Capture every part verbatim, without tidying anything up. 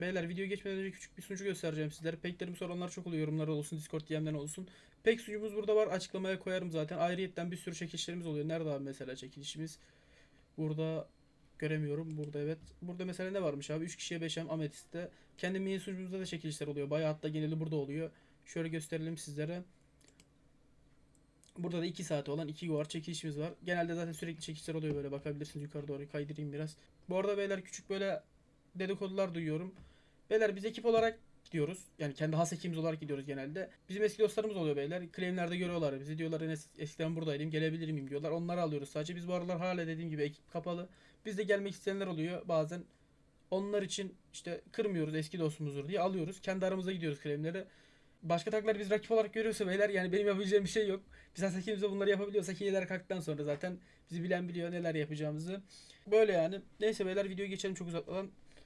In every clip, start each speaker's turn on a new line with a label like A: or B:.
A: Beyler video geçmeden önce küçük bir sunucu göstereceğim sizlere. Peklerimi soranlar çok oluyor. Yorumlar olsun, Discord D M'den olsun. Pek sunucumuz burada var. Açıklamaya koyarım zaten. Ayrıyetten bir sürü çekilişlerimiz oluyor. Nerede abi mesela çekilişimiz? Burada göremiyorum. Burada evet. Burada mesela ne varmış abi? üç kişiye beş em Ametist'te. Kendi mini sunucumuzda da çekilişler oluyor. Bayağı hatta geneli burada oluyor. Şöyle gösterelim sizlere. Burada da iki saate olan iki var çekilişimiz var. Genelde zaten sürekli çekilişler oluyor böyle. Bakabilirsiniz yukarı doğru kaydırayım biraz. Bu arada beyler küçük böyle dedikodular duyuyorum. Beyler biz ekip olarak gidiyoruz. Yani kendi has ekibimiz olarak gidiyoruz genelde. Bizim eski dostlarımız oluyor beyler. Claimlerde görüyorlar bizi. Diyorlar Enes eskiden buradaydım gelebilir miyim diyorlar. Onları alıyoruz sadece. Biz bu aralar hala dediğim gibi ekip kapalı. Bizde gelmek isteyenler oluyor bazen. Onlar için işte kırmıyoruz eski dostumuzdur diye alıyoruz. Kendi aramızda gidiyoruz claimlere. Başka taklar biz rakip olarak görüyorsa beyler yani benim yapabileceğim bir şey yok. Biz has ekibimizde bunları yapabiliyorsak hileler kalktıktan sonra zaten bizi bilen biliyor neler yapacağımızı. Böyle yani. Neyse beyler videoya geçelim çok uzatmadan.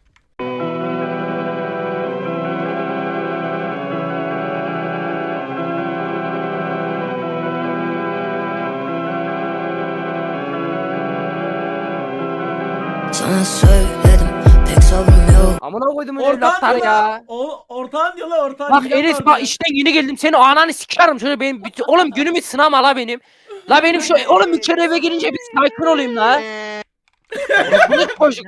B: Sana söyledim pek sabrım yok.
C: Amına koydum
D: Ortağın
C: evlatlar
D: diyor
C: ya.
D: la. O, ortağın diyor la ortağın.
C: Bak
D: hile
C: Enes
D: var
C: bak
D: diyor.
C: işten yeni geldim. Senin ananı sikerim şöyle benim bütün... Oğlum günümü sınama la benim. La benim şu oğlum bir kere eve gelince bir sakin olayım la. Bunu çocuk.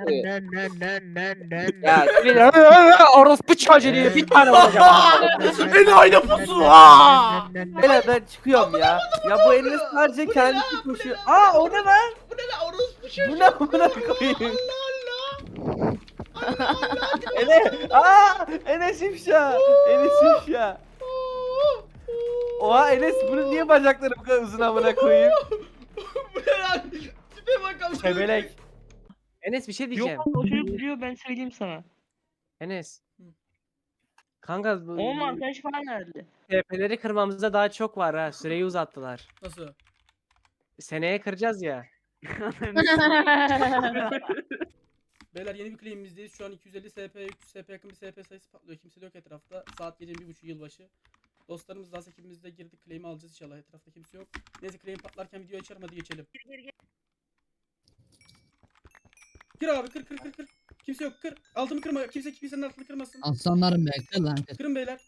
C: Ya bir orospu çocuğu diye bir tane olacağım.
D: Beni aynı pusu. Aa!
E: Beyler ben çıkıyorum ya. Ya bu Enes sadece kendisi koşuyor. Aa o ne lan?
D: Bu ne la orospu çocuğu?
E: Bu ne amına koyayım? Enes, aa Enes ifşa. Enes ifşa. Oha Enes bunun niye bacakları bu kadar uzun amına koyayım?
D: Bu ne lan? Tipe bakalım.
E: Şebelek.
C: Enes bir şey diyeceğim.
F: Yok o çocuk biliyor ben söyleyeyim sana.
C: Enes. Kanka bu
F: Onun arkadaşı falan nerede?
C: T P'leri kırmamızda daha çok var ha. Süreyi uzattılar.
A: Nasıl?
C: Seneye kıracağız ya.
A: Beyler yeni bir claim'imizdeyiz. Şu an iki yüz elli S P, üç yüz S P yakın bir S P sayısı patlıyor. Kimse de yok etrafta. Saat gecenin bir buçuk yılbaşı. Dostlarımız da ekibimizde girdik. Claim'i alacağız inşallah. Etrafta kimse yok. Neyse claim patlarken videoyu açarım hadi geçelim.
F: Gir gir gir.
A: Kır abi kır kır kır kır. Kimse yok kır. Altımı kırma. Kimse kimsenin altını kırmasın.
G: Aslanlarım bekle lan.
A: Kırın beyler.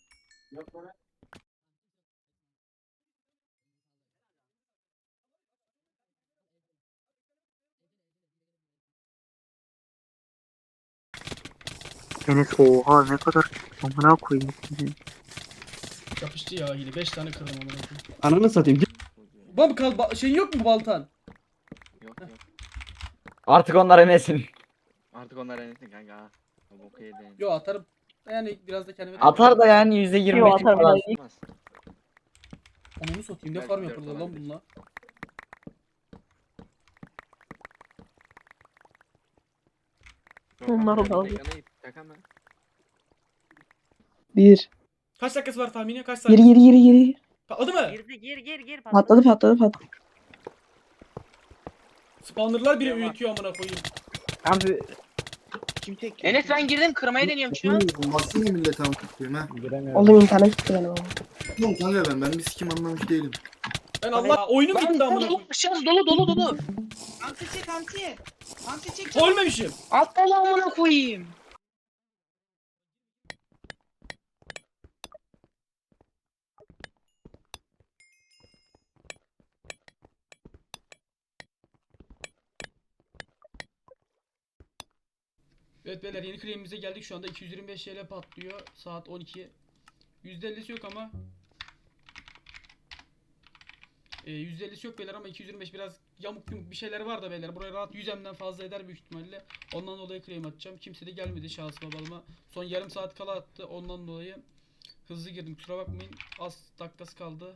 H: Enes oha ne kadar amına koyayım.
A: Yapıştı ya hile. beş tane kırdım amına koyayım.
G: Ananı satayım.
A: Bam kal ba- şeyin yok mu baltan?
I: Yok yok.
E: Artık onlar Enes'in.
I: Artık onlar enesin kanka ha. O boku yedin.
A: Yo atarım. Yani biraz da kendime
H: Atar da yani yüzde yirmi beş falan.
I: Olmaz.
A: Onu satayım ne
I: Belki
A: farm
I: dört
A: yapıldı lan
I: olabilir.
A: bununla.
F: Onlar
I: Yok,
F: oldu.
I: ekrana git, şaka mı?
J: Bir.
A: Kaç dakikası var tahmini? Kaç
J: Geri
A: saniye?
J: geri geri geri.
A: Patladı mı?
F: Girdi gir gir gir.
J: Patladı patladı patladı.
A: Spawnerlar bile uyutuyor amına koyayım.
E: Abi
F: Enes ben girdim kırmaya deniyorum şu an.
K: Baksana millete anlatıyorum ha.
J: Oğlum internet gitti benim ama.
K: Oğlum kanka ben ben bir sikim anlamış değilim.
A: Ben Allah oyunum gitti amına koyayım.
F: Aşağısı dolu dolu dolu.
L: Anti çek anti. Anti çek.
A: Ölmemişim.
F: Alt dolu amına koyayım.
A: Evet beyler yeni claim'imize geldik şu anda iki yüz yirmi beş T L patlıyor saat on iki. yüzde ellisi yok ama e, yüzde ellisi yok beyler ama iki yüz yirmi beş biraz yamuk yumuk bir şeyler var da beyler buraya rahat yüz M'den fazla eder büyük ihtimalle. Ondan dolayı claim atacağım. Kimse de gelmedi şahsıma balıma. Son yarım saat kala attı ondan dolayı hızlı girdim kusura bakmayın az dakikası kaldı.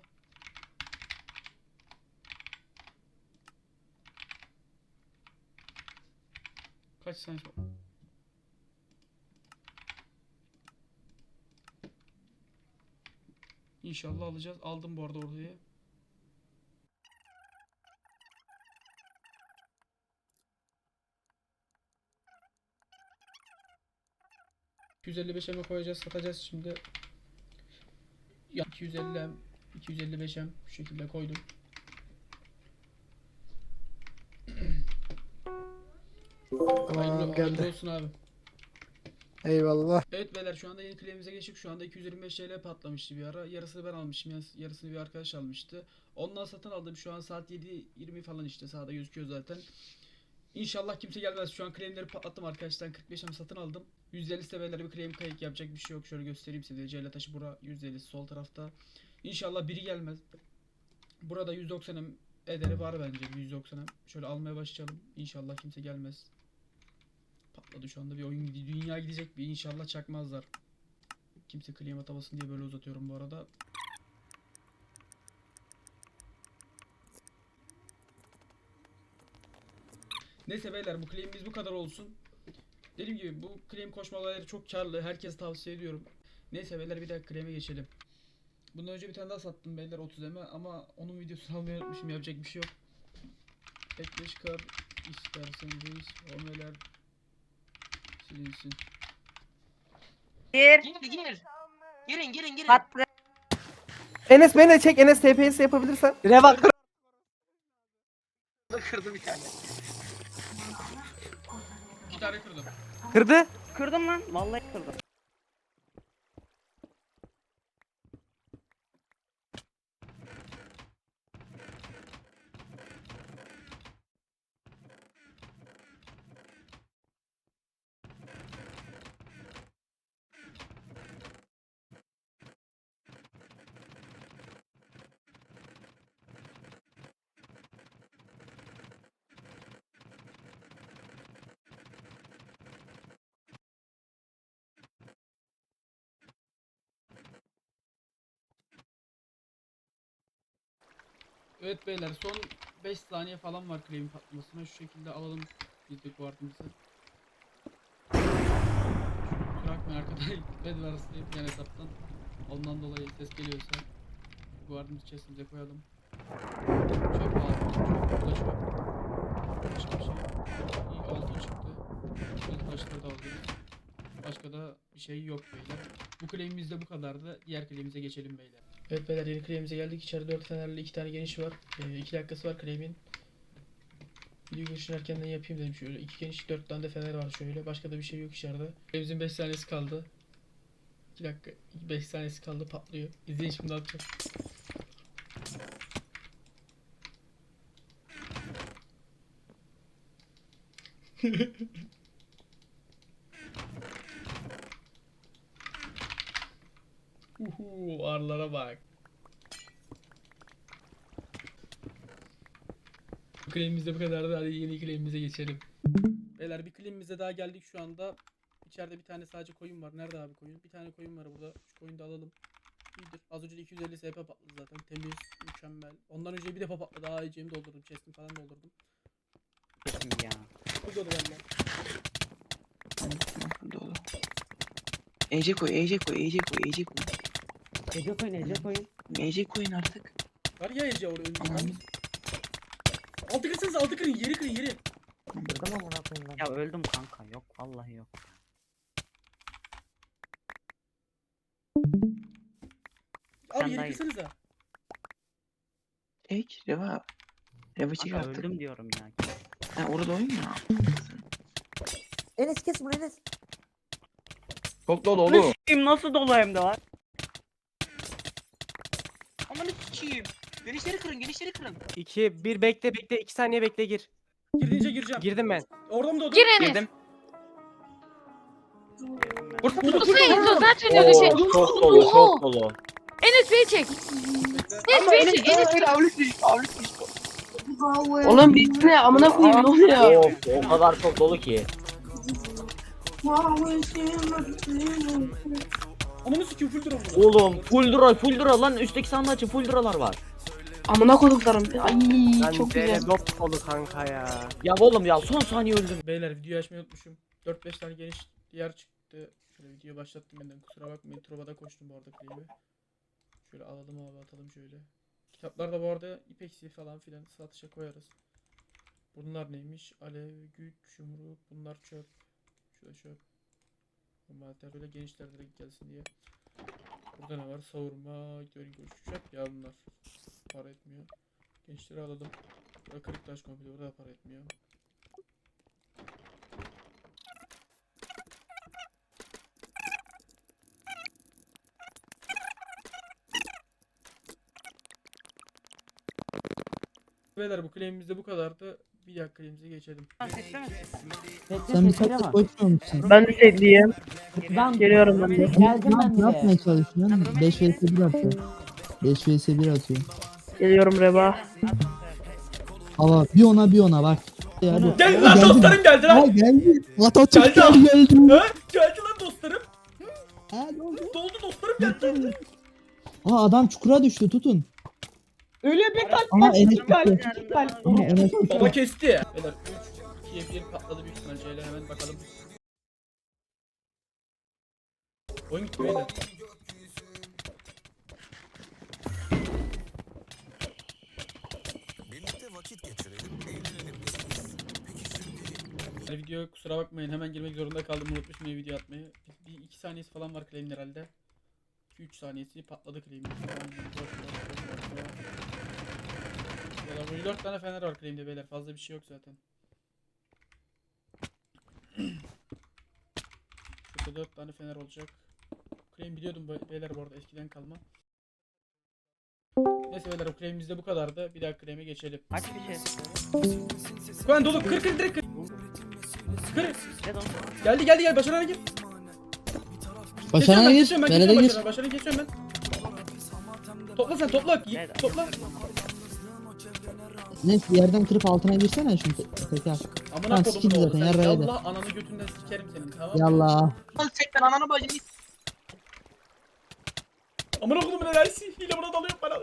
A: Kaç saniye sonra? İnşallah alacağız. Aldım bu arada orayı. iki yüz elli beş M'e koyacağız, satacağız şimdi. Ya iki yüz elli M, iki yüz elli beş M bu şekilde koydum. Hayırlı, hayırlı olsun abi. Eyvallah. Evet beyler şu anda yeni claim'imize geçtik. Şu anda iki yüz yirmi beş T L patlamıştı bir ara. Yarısını ben almışım. yarıs- Yarısını bir arkadaş almıştı. Ondan satın aldım. Şu an saat yedi yirmi falan işte. Sağda gözüküyor zaten. İnşallah kimse gelmez. Şu an claim'leri patlattım arkadaşlar. kırk beş M satın aldım. yüz elli seviyeleri bir claim kayık yapacak bir şey yok. Şöyle göstereyim size. Celle taşı bura yüz elli sol tarafta. İnşallah biri gelmez. Burada yüz doksan M ederi var bence. yüz doksan M. Şöyle almaya başlayalım. İnşallah kimse gelmez. Patladı şu anda bir oyun gidiyor. Dünya gidecek bir inşallah çakmazlar. Kimse claim atamasın diye böyle uzatıyorum bu arada. Neyse beyler bu claim'imiz bu kadar olsun. Dediğim gibi bu claim koşmaları çok karlı. Herkese tavsiye ediyorum. Neyse beyler bir dakika claim'e geçelim. Bundan önce bir tane daha sattım beyler otuz M'e ama onun videosunu almayı unutmuşum. Yapacak bir şey yok. Ekleş kar isterseniz omeler silinsin.
C: Gir.
F: Gir gir. Girin girin girin.
C: Pat.
E: Enes beni de çek. Enes T P S yapabilirsen. Reva kır.
F: Kırdı bir tane.
A: Bir tane kırdım.
E: Kırdı.
H: Kırdım lan. Vallahi kırdım.
A: Evet beyler son beş saniye falan var claim patlamasına. Şu şekilde alalım biz de kuartımızı. Bırakmayın arkadan red var yani hesaptan. Ondan dolayı ses geliyorsa guardımızı chestimize koyalım. Çöp lazım. Çöp burada çöp. Başka bir şey. İyi altın çıktı. Şöyle taşları da alıyoruz. Başka da bir şey yok beyler. Bu claim'imiz de bu kadardı. Diğer claim'imize geçelim beyler. Evet beyler yeni claim'imize geldik. İçeride dört fenerli iki tane geniş var. iki dakikası var claim'in. Video girişini erkenden yapayım dedim şöyle. iki geniş dört tane de fener var şöyle. Başka da bir şey yok içeride. Claim'imizin beş saniyesi kaldı. iki dakika beş saniyesi kaldı patlıyor. İzleyin şimdi ne yapacak. Uhu arlara bak. Bu claim'imiz de bu kadardı. Hadi yeni claim'imize geçelim. Beyler bir claim'imize daha geldik şu anda. İçeride bir tane sadece koyun var. Nerede abi koyun? Bir tane koyun var burada. Şu koyunu da alalım. İyidir. Az önce de iki yüz elli S P patladı zaten. Temiz, mükemmel. Ondan önce bir defa patladı. Daha iyicemi doldurdum. Chest'imi falan doldurdum.
H: Ya.
A: Bu dolu bende.
F: Dolu. Ece koy, Ece koy, Ece koy, Ece koy.
H: Ece koyun, Ece koyun.
F: Ece koyun artık.
A: Var ya Ece oraya önce.
F: Aman.
A: Altı kırsanız altı kırın. Yeri kırın yeri.
H: Kırdım amına koyayım ben. Ya öldüm kanka. Yok vallahi yok.
A: Abi
H: Sen
A: yeri
H: daha iyi.
A: kırsanıza.
F: Çek, Reva. Reva çek
H: Kanka
F: artık.
H: öldüm diyorum ya.
F: Ha orada oyun ya.
E: Enes kes bunu Enes.
I: Çok dolu oğlum.
H: Kim nasıl dolu hem de var?
F: Aman sikiyim. Genişleri kırın, genişleri kırın.
E: iki bir bekle bekle iki saniye bekle gir.
A: Girince gireceğim.
E: Girdim ben.
A: Orada mı doğdun?
C: Gir Enes.
F: Girdim.
C: Bu sayın zaten öyle şey.
I: Çok dolu, çok dolu.
C: Enes beni çek. Enes beni çek. Enes.
F: Avlus düştü, avlus düştü.
J: Oğlum biz ne amına koyayım ne oluyor?
I: Of, o kadar çok dolu ki.
A: Ananı sikiyor full drone burada.
I: Oğlum full dura, full dura lan üstteki sandığı açın, full duralar var.
J: Amına koduklarım. Ay çok güzel.
E: Dop dolu kanka ya.
I: Ya oğlum ya son saniye öldüm.
A: Beyler videoyu açmayı unutmuşum. dört beş tane geniş yer çıktı. Şöyle videoyu başlattım benden kusura bakmayın. Trova'da koştum bu arada claim'i. Şöyle alalım abi atalım şöyle. Kitaplar da bu arada ipeksi falan filan satışa koyarız. Bunlar neymiş? Alev, güç, yumruk, bunlar çöp. Şöyle çöp. Normalde böyle genişler direkt gelsin diye. Burada ne var? Savurma, görün çöp ya bunlar. Para etmiyor. Gençleri alalım. Burada kırık taş komple burada da para etmiyor. Beyler bu claim'imiz de bu kadardı. Bir dakika claim'imize geçelim.
G: Sen bir saat koşmuyor musun?
J: Ben de sevdiğim.
H: Ben
J: Geliyorum ben de.
H: Geldim ben
G: Ne yapmaya
H: de.
G: çalışıyorsun? beş vs bir atıyor. beş vs bir atıyor.
J: Geliyorum Reba.
G: Hava bir ona bir ona bak. Hadi.
A: Gel
G: Aa,
A: lan
G: geldi.
A: dostlarım geldi
G: Aa,
A: lan.
G: geldi. Atatürkler
A: Geldi.
G: geldi.
A: Ha? Geldi lan dostlarım.
G: Ha, ne oldu?
A: Doldu dostlarım geldi.
G: Aa adam çukura düştü tutun.
H: Öyle bir kalp.
G: Ama Enes
H: kalp.
G: düştü.
H: kalp.
G: Ama Enes düştü.
A: Baba kesti. Beyler üç ikiye bir patladı büyük ihtimal. Şöyle hemen bakalım. Oyun gitti beyler. Yani video kusura bakmayın hemen girmek zorunda kaldım, unutmuşum ya video atmayı. Bir, bir iki saniyesi falan var claim'in herhalde. iki üç saniyesi patladı claim'in. Valla böyle dört tane fener var claim'de beyler, fazla bir şey yok zaten. Şurada dört tane fener olacak. Claim biliyordum be- beyler bu arada, eskiden kalma. Neyse beyler o claim'imiz de bu kadardı. Bir daha claim'e geçelim.
H: Kaç bir şey?
A: Kuan dolu kır kır direkt kır. Kır. Geldi geldi gel başarana gir.
G: Başarana gir.
A: Kesiyorum ben,
G: Belede
A: kesiyorum
G: gir.
A: başarana. Başarana kesiyorum ben. Topla sen topla. Git, topla.
G: Neyse bir yerden kırıp altına girsene şunu te- tekrar.
A: Amına
G: Lan
A: kodumun
G: sikildi
A: oğlu
G: zaten,
A: sen.
G: yarrağı yedi.
A: Yallah ananı götünden sikerim senin, tamam mı?
G: Yallah.
F: Lan sekten ananı bacını.
A: Amına kodumun enerjisi. Hile buna dalıyor bana.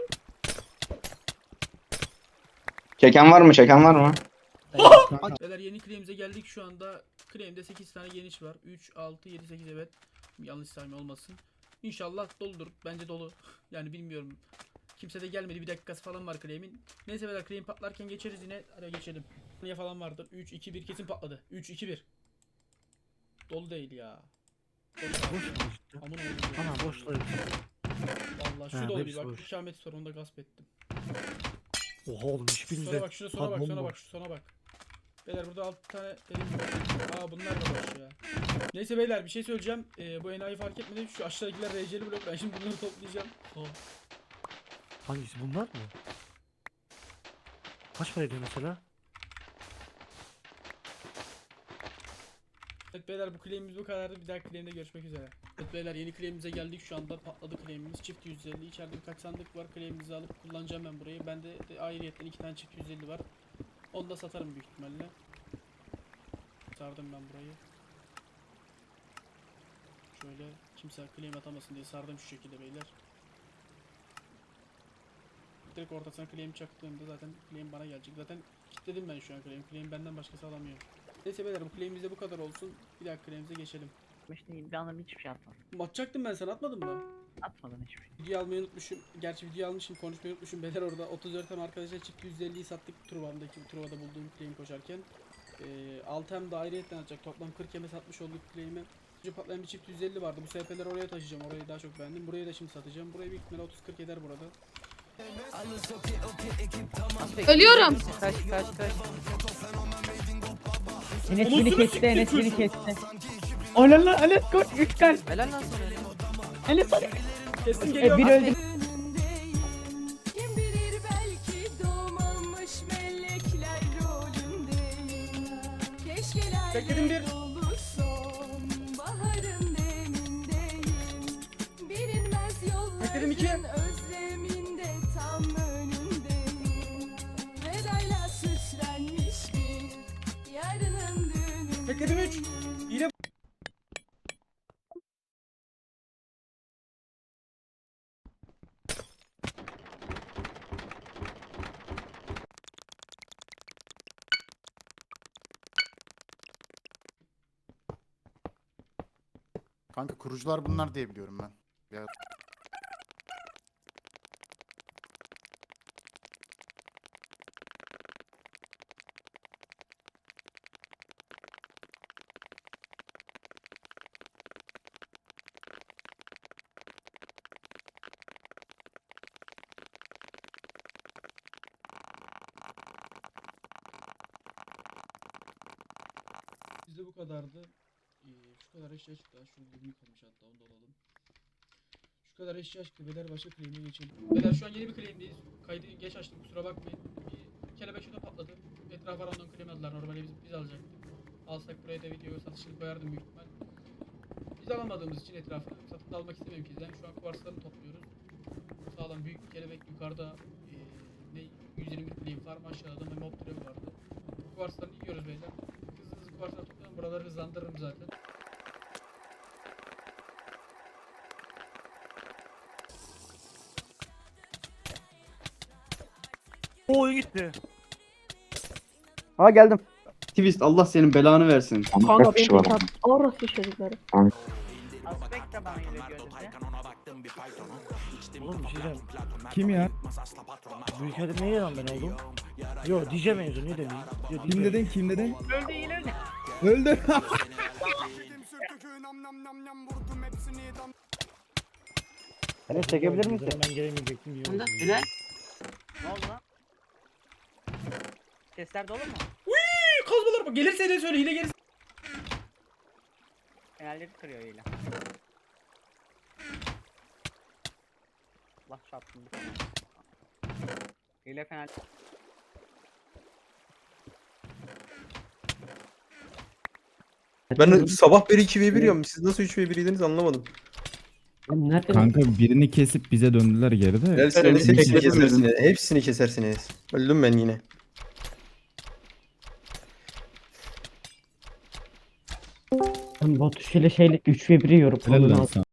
F: Çeken var mı? Çeken var mı?
A: Beyler yeni claim'imize geldik şu anda. Claim'de sekiz tane geniş var. üç, altı, yedi, sekiz evet. Yanlış sayma olmasın. İnşallah doludur. Bence dolu. Yani bilmiyorum. Kimse de gelmedi. Bir dakikası falan var claim'in. Neyse beyler claim patlarken geçeriz yine. Hadi geçelim. Niye falan vardır. üç, iki, bir kesin patladı. üç, iki, bir. Dolu değil ya. Dolu. Aman oğlum.
D: Ana boşluğu.
A: Vallahi şu
D: Ha,
A: dolu
D: hepsi
A: bir bak.
D: boş.
A: İkamet sorununda gasp ettim.
D: Oha oğlum
A: Sona
D: hiçbirinde.
A: bak, şuna sona bak, sona bak, şu sona bak. Beyler burada altı tane dedim. Aa bunlar da boş ya. Neyse beyler bir şey söyleyeceğim. Ee, bu enayi fark etmedi. Şu aşağıdakiler R C'li blok. Ben şimdi bunları toplayacağım. Oh.
D: Hangisi bunlar mı? Kaç para ediyor mesela?
A: Evet beyler bu claim'imiz bu kadardı. Bir daha claim'de görüşmek üzere. Evet beyler yeni claim'imize geldik şu anda. Patladı claim'imiz. Çift yüz elli. İçeride birkaç sandık var. Claim'imizi alıp kullanacağım ben burayı. Bende de ayrıyetten iki tane çift yüz elli var. Onu da satarım büyük ihtimalle. Sardım ben burayı. Şöyle kimse claim atamasın diye sardım şu şekilde beyler. Direkt ortasına claim çaktığımda zaten claim bana gelecek. Zaten kilitledim ben şu an claim. Claim benden başkası alamıyor. Neyse beyler bu claim'imiz de bu kadar olsun. Bir daha claim'imize geçelim.
H: İşte bir anlam hiçbir şey atmadım.
A: Atacaktım ben, sana atmadım mı?
H: Atmadım hiçbir şey.
A: Video almayı unutmuşum. Gerçi video almışım, konuşmayı unutmuşum. Beyler orada otuz dört hem arkadaşa çift yüz elliyi sattık Truva'daki Truva'da bulduğum claim koşarken. Ee, altı hem de ayrıyetten atacak. Toplam kırk yeme satmış olduk claim'e. Önce patlayan bir çift yüz elli vardı. Bu S P'leri oraya taşıyacağım. Orayı daha çok beğendim. Burayı da şimdi satacağım. Burayı büyük ihtimalle otuz kırk eder burada.
J: Ölüyorum.
C: Kaç kaç kaç.
H: Enes
A: Anasını
H: beni kesti,
A: siktir
H: Enes beni
A: çocuğu.
H: kesti. Oley lan Enes koş üç kalp.
C: Helal lan sana.
H: Enes hadi.
A: Kesin
H: E,
A: geliyor.
H: bir öldü.
B: Kim bilir belki doğmamış melekler rolündeyim. Keşkeler
A: Bekledim bir.
B: dolu sonbaharın demindeyim. Bilinmez
A: Bekledim iki.
B: yolların özleminde tam önündeyim. Vedayla süslenmiş bir yarının düğünü.
A: Bekledim üç. Yine
K: Kanka kurucular bunlar diye biliyorum ben. Ya.
A: bizde bu kadardı. Ee, şu kadar eşya çıktı. Şurada bir kalmış hatta, onu da alalım. Şu kadar eşya çıktı. Beyler başka claim'e geçelim. Beyler şu an yeni bir claim'deyiz. Kaydı geç açtım, kusura bakmayın. Bir kelebek şurada patladı. Etrafa random kırmadılar. Normalde biz, biz alacaktık. Alsak buraya da video satışını koyardım büyük ihtimal. Biz alamadığımız için etrafı satın almak istemiyorum ki. Yani şu an kuvarslarını topluyoruz. Sağlam büyük bir kelebek yukarıda e, ne yüz yirmi miliyim farm aşağıda da mob türevi vardı. Kuvarslarını yiyoruz beyler. Hızlı hızlı kuvarsları toplayalım. Buraları hızlandırırım zaten.
D: O oyun gitti.
E: Ha geldim.
G: Twist Allah senin belanı versin.
J: Kanka benim de tat. Orası çocukları.
H: Aspekt de bana geliyor gözümde.
D: Oğlum bir şey diyeceğim.
G: Kim ya?
D: Bu hikayede neye yalan ben oldum? Yo D J benziyor niye demeyeyim? Yo, D J.
G: Kim dedin kim dedin?
H: Öldü yine öldü.
G: Öldü.
E: Enes çekebilir misin?
D: Ben gelemeyecektim diye.
J: Bunda
D: oldu.
J: Bilal.
H: Ne oldu lan? Sesler dolu mu?
A: Hii, kazmalar bak. Gelirse de söyle. Hile gelirse.
H: Fenerleri kırıyor yine. Allah çarpsın bir tane. Hile fener.
E: Ben sabah beri iki ve bir yiyorum. Siz nasıl üç ve bir'ydiniz anlamadım.
G: Kanka birini kesip bize döndüler geride.
E: Derseniz hepsini kesersiniz. Hepsini kesersiniz. Öldüm ben yine.
I: Batu şeyle şeyle üç ve bir yiyorum.
G: Helal lan sana.